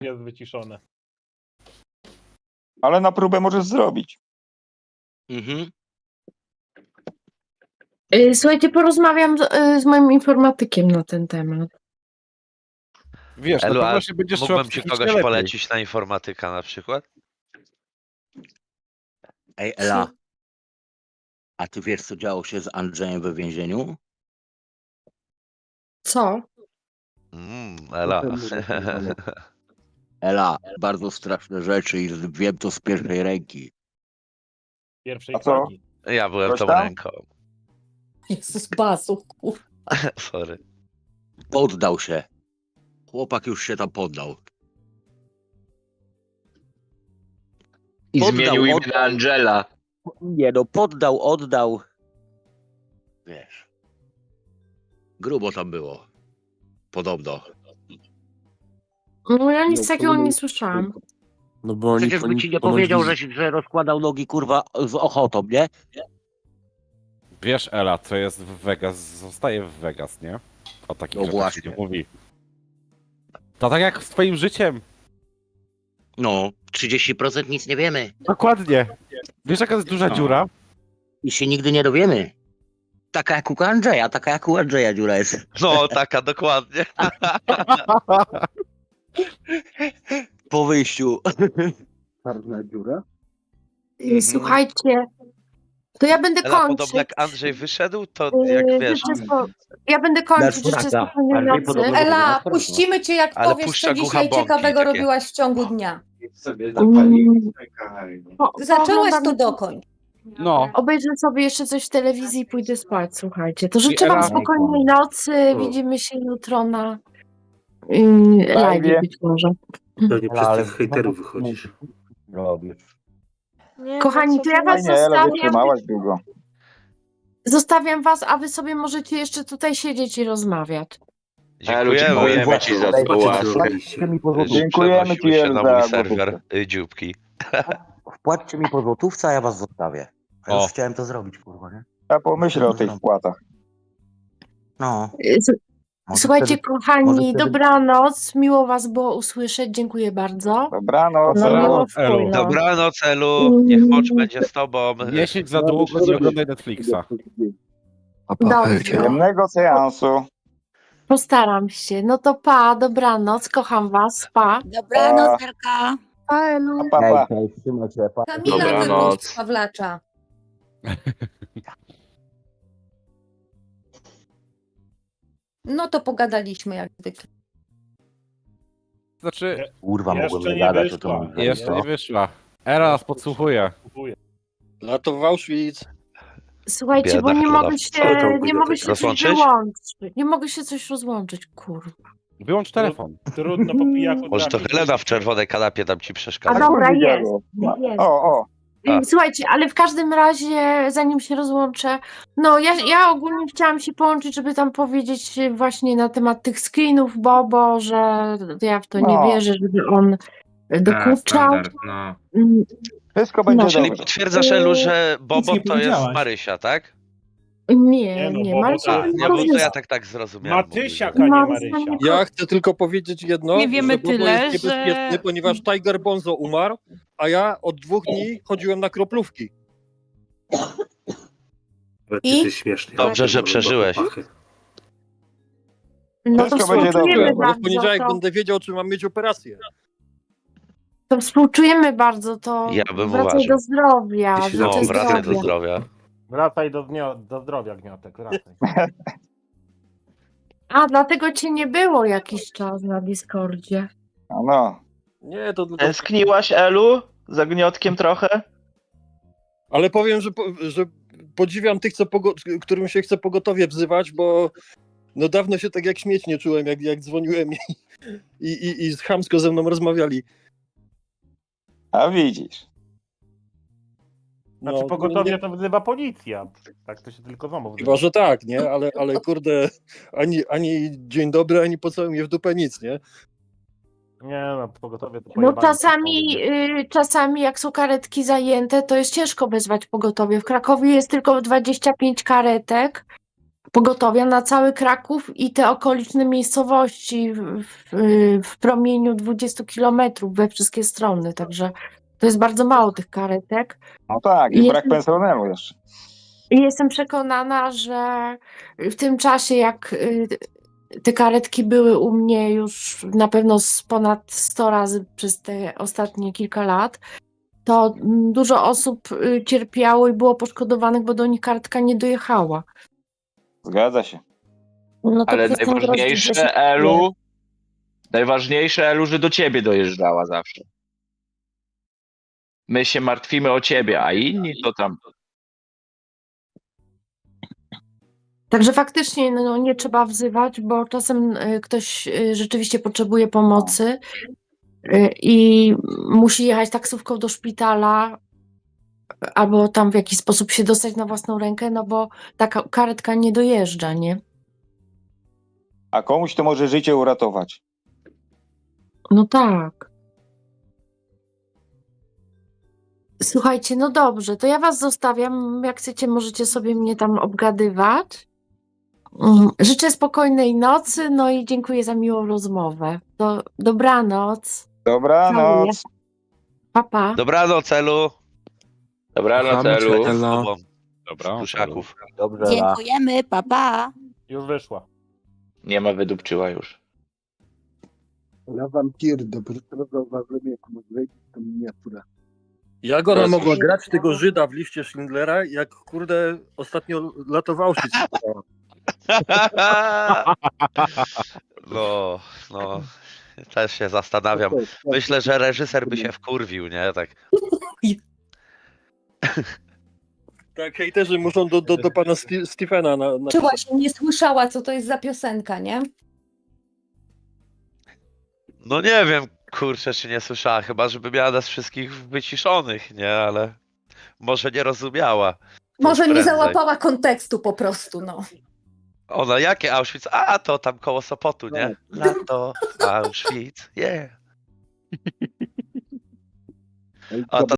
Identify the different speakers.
Speaker 1: jest wyciszone.
Speaker 2: Ale na próbę możesz zrobić.
Speaker 3: Mhm.
Speaker 4: Słuchajcie, porozmawiam z moim informatykiem na ten temat.
Speaker 5: Wiesz,
Speaker 6: Elu,
Speaker 5: na
Speaker 6: a
Speaker 5: pewno się będziesz czuła
Speaker 6: mógłbym ci
Speaker 5: psychicznie
Speaker 6: kogoś
Speaker 5: lepiej.
Speaker 6: polecić na informatyka na przykład?
Speaker 3: Ej, Ela. A ty wiesz, co działo się z Andrzejem we więzieniu?
Speaker 4: Co?
Speaker 6: Ela.
Speaker 3: Ela, bardzo straszne rzeczy i wiem to z pierwszej ręki.
Speaker 1: Pierwszej
Speaker 2: A co?
Speaker 1: flagi.
Speaker 6: Ja byłem
Speaker 2: Coś
Speaker 6: tą
Speaker 2: tam?
Speaker 6: ręką.
Speaker 4: Jezus, basu, kurwa.
Speaker 6: Sorry.
Speaker 3: Poddał się. Chłopak już się tam poddał.
Speaker 7: I
Speaker 3: Poddał,
Speaker 7: zmienił imię
Speaker 3: oddał.
Speaker 7: na Angela.
Speaker 3: Nie no, poddał, oddał. Wiesz. Grubo tam było. Podobno.
Speaker 4: No ja nic takiego nie słyszałam.
Speaker 8: No bo oni
Speaker 3: Przecież by ci nie powiedział, że rozkładał nogi, kurwa, z ochotą, nie?
Speaker 5: Wiesz, Ela, co jest w Vegas, zostaje w Vegas, nie? O takich
Speaker 3: No
Speaker 5: rzeczach się
Speaker 3: właśnie.
Speaker 5: nie mówi. To tak jak z twoim życiem.
Speaker 3: No, 30% nic nie wiemy.
Speaker 5: Dokładnie. Wiesz, jaka jest duża
Speaker 3: No.
Speaker 5: dziura?
Speaker 3: I się nigdy nie dowiemy. Taka jak u Andrzeja, taka jak u Andrzeja dziura jest.
Speaker 6: No, taka dokładnie.
Speaker 3: Po wyjściu.
Speaker 8: Czarna dziura?
Speaker 4: Słuchajcie, to ja będę
Speaker 6: Ela,
Speaker 4: kończyć.
Speaker 6: podobno jak Andrzej wyszedł, to jak wiesz,
Speaker 4: Ja będę kończyć jeszcze spokojnie nocy.
Speaker 9: Ela, puścimy cię, jak
Speaker 6: Ale
Speaker 9: powiesz,
Speaker 6: puszcza
Speaker 9: co
Speaker 6: głucha
Speaker 9: dzisiaj
Speaker 6: bąki
Speaker 9: ciekawego
Speaker 6: takie.
Speaker 9: robiłaś w ciągu dnia.
Speaker 4: Zaczęłaś
Speaker 9: to dokończ.
Speaker 5: No.
Speaker 4: Obejrzę sobie jeszcze coś w telewizji i pójdę spać, słuchajcie. To życzę wam
Speaker 5: Ela-
Speaker 4: spokojnej nocy. Widzimy się jutro na live być może.
Speaker 8: Pewnie przez tych hejterów wychodzisz.
Speaker 4: Kochani, to ja was
Speaker 2: Fajnie, Ela,
Speaker 4: zostawiam.
Speaker 2: wytrzymałaś długo.
Speaker 4: Zostawiam was, a wy sobie możecie jeszcze tutaj siedzieć i rozmawiać.
Speaker 7: Elu,
Speaker 6: dziękujemy.
Speaker 7: dziękujemy ci za
Speaker 8: Zobaczcie, co
Speaker 7: współpracę.
Speaker 8: zrobiliście.
Speaker 2: Dziękujemy ci,
Speaker 6: Przenosiły się na mój
Speaker 2: Elza.
Speaker 6: serwer dzióbki.
Speaker 3: Wpłaccie mi po złotówce, a ja was zostawię. Ja
Speaker 5: O.
Speaker 3: już chciałem to zrobić, kurwa, nie?
Speaker 2: Ja pomyślę o tych wpłatach.
Speaker 3: No. może
Speaker 4: Słuchajcie,
Speaker 3: wtedy-
Speaker 4: kochani,
Speaker 3: może wtedy-
Speaker 4: dobranoc. Miło was było usłyszeć. Dziękuję bardzo.
Speaker 2: Dobranoc.
Speaker 4: No,
Speaker 5: Dobranoc,
Speaker 4: miło
Speaker 5: Elu.
Speaker 4: wpłynąć.
Speaker 6: Dobranoc, Elu. Niech mocz będzie z tobą.
Speaker 5: Nie siedź za długo, nie oglądaj Netflixa.
Speaker 4: Dobrze.
Speaker 2: Przyjemnego seansu.
Speaker 4: Postaram się. No to pa, dobranoc. Kocham was. Pa.
Speaker 2: Dobranoc,
Speaker 9: Darka.
Speaker 4: Pa, Elu.
Speaker 2: Pa, pa.
Speaker 9: Kamila
Speaker 7: Dobranoc.
Speaker 9: wypuść Pawlacza. No to pogadaliśmy jak zwykle.
Speaker 5: Znaczy,
Speaker 3: Kurwa,
Speaker 1: Jeszcze
Speaker 3: mogłem
Speaker 1: nie
Speaker 3: nie gadać o
Speaker 1: wyszła.
Speaker 3: tym.
Speaker 5: jeszcze nie wyszła. Ela nas podsłuchuje.
Speaker 1: Kupuję.
Speaker 8: Lato w Auschwitz.
Speaker 4: Słuchajcie,
Speaker 6: Biedna
Speaker 4: bo nie
Speaker 6: choroba.
Speaker 4: mogę się coś
Speaker 6: Rozłączyć?
Speaker 4: wyłączyć. Nie mogę się coś rozłączyć, kurwa.
Speaker 5: Wyłącz telefon.
Speaker 1: Trudno po pijaku
Speaker 6: Może to
Speaker 1: trafić.
Speaker 6: Helena w czerwonej kanapie tam ci
Speaker 4: A
Speaker 6: przeszkadza.
Speaker 4: dobra,
Speaker 2: kurwa,
Speaker 4: jest.
Speaker 2: dziadło.
Speaker 4: jest.
Speaker 2: O.
Speaker 6: A.
Speaker 4: Słuchajcie, ale w każdym razie, zanim się rozłączę, no ja ogólnie chciałam się połączyć, żeby tam powiedzieć właśnie na temat tych screenów Bobo, że ja w to nie
Speaker 2: No.
Speaker 4: wierzę, żeby on dokuczał. Mm,
Speaker 2: Wszystko będzie
Speaker 6: Czyli
Speaker 2: dobrze.
Speaker 6: potwierdzasz, Elu, że Bobo
Speaker 10: nie
Speaker 6: to jest
Speaker 10: powiedziałaś.
Speaker 6: Marysia, tak?
Speaker 4: Nie,
Speaker 1: Nie, no,
Speaker 4: nie,
Speaker 1: Bobo
Speaker 4: Marcin
Speaker 1: to-
Speaker 6: A, nie,
Speaker 4: to
Speaker 6: bo to
Speaker 4: jest-
Speaker 6: ja tak zrozumiałem.
Speaker 1: Matysiak, a nie Marysia.
Speaker 8: Ja chcę tylko powiedzieć jedno,
Speaker 11: Nie wiemy
Speaker 8: że Bobo
Speaker 11: tyle,
Speaker 8: jest niebezpieczny,
Speaker 11: że-
Speaker 8: ponieważ Tiger Bonzo umarł, a ja od 2 dni chodziłem na kroplówki.
Speaker 9: I?
Speaker 8: śmiesznie.
Speaker 6: Dobrze, że przeżyłeś.
Speaker 4: No to
Speaker 2: Wszystko będzie
Speaker 4: współczujemy
Speaker 2: dobrze.
Speaker 8: Bo w
Speaker 4: bardzo,
Speaker 8: poniedziałek
Speaker 4: to,
Speaker 8: będę wiedział, czy mam mieć operację.
Speaker 4: to współczujemy bardzo, to
Speaker 6: Ja bym
Speaker 4: wracaj
Speaker 6: uważał.
Speaker 4: do zdrowia.
Speaker 8: Jeśli
Speaker 6: No,
Speaker 4: życzę
Speaker 6: wracaj do
Speaker 4: zdrowia.
Speaker 6: zdrowia.
Speaker 1: Wracaj do zdrowia, Gniotek, wracaj.
Speaker 4: A, dlatego cię nie było jakiś czas na Discordzie.
Speaker 2: No.
Speaker 8: Nie, to tylko...
Speaker 10: Tęskniłaś, Elu? Za gniotkiem trochę?
Speaker 8: Ale powiem, że podziwiam tych, którym się chce pogotowie wzywać, bo no dawno się tak jak śmieć nie czułem, jak dzwoniłem i chamsko ze mną rozmawiali.
Speaker 2: A widzisz.
Speaker 1: Znaczy pogotowie to wzywa policja. Tak to się tylko znowu
Speaker 8: Chyba, że tak, nie? Ale kurde, ani dzień dobry, ani pocałuj mnie w dupę, nic, nie?
Speaker 1: Nie no, pogotowie to
Speaker 4: No
Speaker 1: pojebane
Speaker 4: czasami,
Speaker 1: są.
Speaker 4: czasami jak są karetki zajęte, to jest ciężko wezwać pogotowie. W Krakowie jest tylko 25 karetek, pogotowia na cały Kraków i te okoliczne miejscowości w promieniu 20 kilometrów we wszystkie strony, także to jest bardzo mało tych karetek.
Speaker 2: No tak, i
Speaker 4: Jest-
Speaker 2: brak personelu jeszcze.
Speaker 4: I jestem przekonana, że w tym czasie, jak te karetki były u mnie już na pewno z ponad 100 razy przez te ostatnie kilka lat, to dużo osób cierpiało i było poszkodowanych, bo do nich karetka nie dojechała.
Speaker 2: Zgadza się.
Speaker 4: No to
Speaker 10: Ale
Speaker 4: przez ten rozdział
Speaker 10: najważniejsze,
Speaker 4: się-
Speaker 10: Elu, że do ciebie dojeżdżała zawsze. My się martwimy o ciebie, a inni to tam.
Speaker 4: Także faktycznie no, nie trzeba wzywać, bo czasem ktoś rzeczywiście potrzebuje pomocy i musi jechać taksówką do szpitala albo tam w jakiś sposób się dostać na własną rękę, no bo ta karetka nie dojeżdża, nie?
Speaker 2: A komuś to może życie uratować.
Speaker 4: No tak. Słuchajcie, no dobrze, to ja was zostawiam. Jak chcecie, możecie sobie mnie tam obgadywać. Życzę spokojnej nocy, no i dziękuję za miłą rozmowę. Dobranoc.
Speaker 2: Dobranoc.
Speaker 4: Pa, pa.
Speaker 6: Dobranoc, Elu.
Speaker 10: Dobranoc,
Speaker 6: Czekaj
Speaker 10: Elu.
Speaker 6: z tobą,
Speaker 5: Dobra.
Speaker 6: Pluszaków.
Speaker 3: Dobrze,
Speaker 9: Dziękujemy, pa, pa.
Speaker 1: Już wyszła.
Speaker 10: Nie ma, wydupczyła już.
Speaker 11: Ja wam pierdolę, po prostu zauważyłem, jak mówię, to miniatura.
Speaker 8: Jak ona
Speaker 10: Proszę.
Speaker 8: mogła grać tego Żyda w liście Schindlera, jak kurde ostatnio latował się.
Speaker 6: No, też się zastanawiam. Myślę, że reżyser by się wkurwił, nie? Tak.
Speaker 8: Tak, hejterzy muszą do pana Stephena na
Speaker 9: Czy właśnie nie słyszała, co to jest za piosenka, nie?
Speaker 6: No nie wiem, kurczę, czy nie słyszała, chyba żeby miała nas wszystkich wyciszonych, nie? Ale może nie rozumiała.
Speaker 9: Może nie
Speaker 6: prędzej.
Speaker 9: załapała kontekstu po prostu, no.
Speaker 6: Ona, jakie Auschwitz? A, to tam koło Sopotu, nie? Lato, Auschwitz, yeah. A ta